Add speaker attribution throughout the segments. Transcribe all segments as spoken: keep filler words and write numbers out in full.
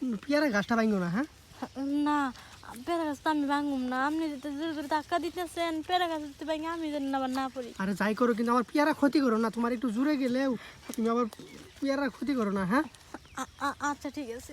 Speaker 1: পেয়ারা গাছটা ভাঙো না। হ্যাঁ
Speaker 2: না পেয়ারা গাছ তো আমি ভাঙুম না, আপনি যদি জোর করে ধাক্কা দিতেছেন পেয়ারা গাছ যদি ভাঙে আমি যেন আবার না পড়ি।
Speaker 1: আরে যাই করো কিন্তু আমার পেয়ারা ক্ষতি করো না, তোমার একটু জুড়ে গেলেও তুমি আবার পেয়ারা ক্ষতি করো না। হ্যাঁ
Speaker 2: আ- আ- আচ্ছা ঠিক আছে।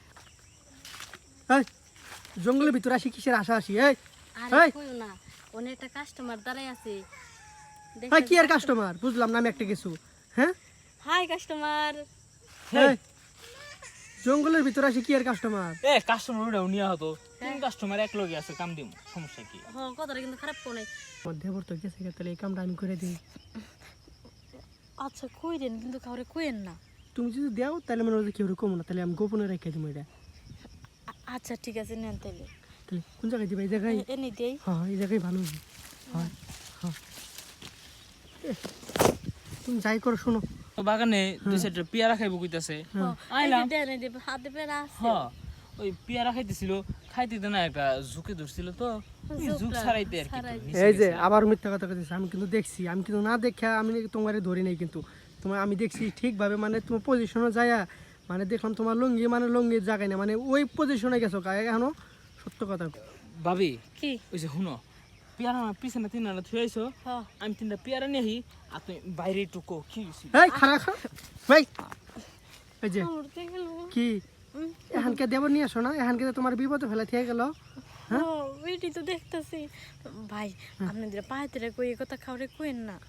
Speaker 1: এই জঙ্গলের ভিতরে আসি কিসের আশা আসি? এই
Speaker 2: আরে
Speaker 1: এই
Speaker 2: কইও না, অনেক একটা কাস্টমার দাঁড়াই আছে।
Speaker 1: এই কি আর কাস্টমার বুঝলাম না আমি একটা কিছু। হ্যাঁ
Speaker 2: হাই কাস্টমার।
Speaker 1: এই জঙ্গলের ভিতরে আসি কি আর কাস্টমার?
Speaker 3: এ কাস্টমার ওটা নিয়া হতো, তিন কাস্টমার এক লগে আছে, কাম দিম, সমস্যা কি?
Speaker 2: হ কথাটা কিন্তু খারাপ কোনে।
Speaker 1: আমার দেবর তো গেছে গা, তাহলে এই কামটা আমি করে দিই।
Speaker 2: আচ্ছা কইরেন কিন্তু কাউরে কইেন না।
Speaker 1: তুমি যদি দাও তাহলে মনে হয় কেউ কমো না, তাহলে আমি গোপনে রেখে দিব এটা।
Speaker 2: আ- আচ্ছা ঠিক আছে নেন তাইলে।
Speaker 1: তাহলে কোন জায়গায় দিবা? এই জায়গায়?
Speaker 2: এ- এনে দেই।
Speaker 1: হ্যাঁ এই জায়গায় ভালো হবে। হ্যাঁ হ্যাঁ এ, তুমি যাই করো শোনো।
Speaker 3: তো বাগানে দুই সাইডে পেয়ারা খাইবো কইতাছে,
Speaker 2: হ,
Speaker 3: আইলাম।
Speaker 2: এই যে দেন, এই যে হাতে পেয়ারা আছে।
Speaker 3: হ্যাঁ ওই পেয়ারা খাইতেছিল, খাইতে দে না একটা ঝুঁকে ধরছিল তো ওই ঝুঁক
Speaker 2: ঝুঁকটা
Speaker 3: ছাড়াইতে আর কি
Speaker 2: ছাড়াই।
Speaker 3: নিচে
Speaker 1: এই যে
Speaker 3: গেছে।
Speaker 1: আবার মিথ্যা কথা কইতেছে, আমি কিন্তু দেখছি, আমি কিন্তু না দেখা আমি তোমার ধরি নাই, কিন্তু তোমার আমি দেখছি ঠিকভাবে, মানে তোমার পজিশনে যায়া মানে দেখলাম তোমার লুঙ্গি মানে লুঙ্গির জায়গায় না, মানে ওই পজিশনে গেছো গায়ে এখনো। সত্য কথা।
Speaker 3: ভাবি
Speaker 2: কি?
Speaker 3: ওই যে শুনো, পেয়ারা আমার পিছনে তিনটা থুয়ে আইছো,
Speaker 2: হ
Speaker 3: আমি তিনটা পেয়ারা নিয়ে আহি, আর তুমি বাইরে একটু কো কি হইছে?
Speaker 1: এই খারাপ খারাপ ভাই, এই যে
Speaker 2: উড়তে গেল।
Speaker 1: কি
Speaker 2: উম,
Speaker 1: এখানকে দেব নিয়ে আসো না, এখানকে তো তোমার বিপদে ফেলা থেকে গেল।
Speaker 2: হ ওইটি তো দেখতাছি। ভাই আপনাদের পায়েতে কই এই কথা কাউরে কইেন না।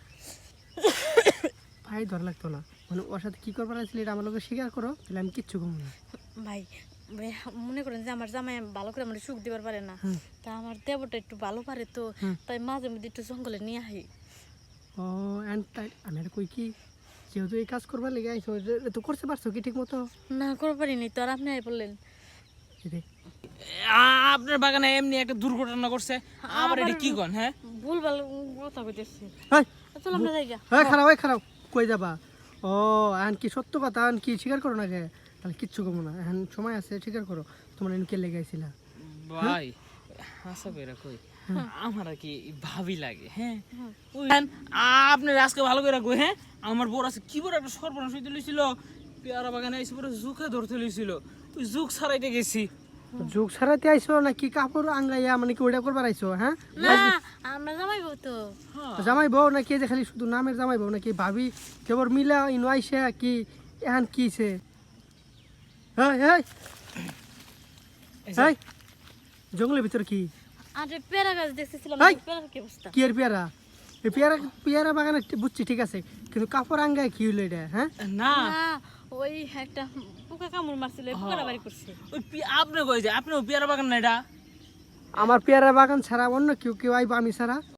Speaker 1: ভাই ধর লাগতো না, মানে ওর সাথে কি করবার আসলে এটা আমার লোকে স্বীকার করো, তাহলে আমি কিচ্ছু কমো না।
Speaker 2: ভাই ভাই, মনে করেন যে আমার জামাই ভালো করে আমার সুখ দিবার পারে না, তা আমার দেবরটা একটু ভালো পারে তো, তাই মাঝে মধ্যে একটু জঙ্গলে নিয়ে আহি।
Speaker 1: ও এন্ড তাই আমি আর কই কি, যেহেতু এই কাজ করবার লেগে আইছো এটা তো করতে পারছো কি ঠিক মতো?
Speaker 2: না করতে পারিনি তো, আর আপনি আই বললেন।
Speaker 1: এই যে,
Speaker 3: আ- আপনার বাগানে এমনি একটা দুর্ঘটনা করছে, আবার এটা কি কন? হ্যাঁ
Speaker 2: ভুল ভাল কথা কইতেছি।
Speaker 1: এই
Speaker 2: চল আমরা যাই গা।
Speaker 1: এই খারাপ এই খারাপ কই যাবা? ও এখন কি সত্য কথা, এখন কি স্বীকার করো না কে? তাহলে কিচ্ছু কমো না, এখন সময় আছে, স্বীকার করো তোমার এনকে লেগে আইছিলা।
Speaker 3: ভাই আশা কইরা কই, আমার আর কি ভাবি লাগে। হ্যাঁ ওই আপনার আজকে ভালো করে কই, হ্যাঁ আমার বড় আছে কি বড় একটা সর্বনাশ হইতে লইছিল, পেয়ারা বাগানে এসে পরে জুকে ধরতে লইছিল, ওই জুক ছাড়াইতে গেছি।
Speaker 1: যুগ ছাড়াতে আইছো নাকি কাপড় আঙ্গাইয়া মানে কি ওইটা করবার আইছো? হ্যাঁ
Speaker 2: না আমরা জামাই বউ তো।
Speaker 1: জামাই বউ নাকি এই যে খালি শুধু নামের জামাই বউ নাকি ভাবি কেবল মিলা ইনো আইসে কি এখন কিছে? হ্যাঁ হ্যাঁ এই জঙ্গলের ভিতর কি
Speaker 2: আরে পেয়ারা গাছ দেখতেছিলাম,
Speaker 1: এই!
Speaker 2: পেয়ারার কি অবস্থা?
Speaker 1: কি এর পেয়ারা? এই পেয়ারা পেয়ারা বাগানে বুঝছি ঠিক আছে, কিন্তু কাপড় আঙ্গায় কি হইলো এটা? হ্যাঁ
Speaker 3: না
Speaker 2: না ওই একটা পোকা কামড় মারছিল, এই পোকাটা বাড়ি করছে।
Speaker 3: ওই পি- আপনি কই যে আপনি পেয়ারা বাগান না এটা?
Speaker 1: আমার পেয়ারা বাগান ছাড়া অন্য কেউ কেউ আইব আমি ছাড়া?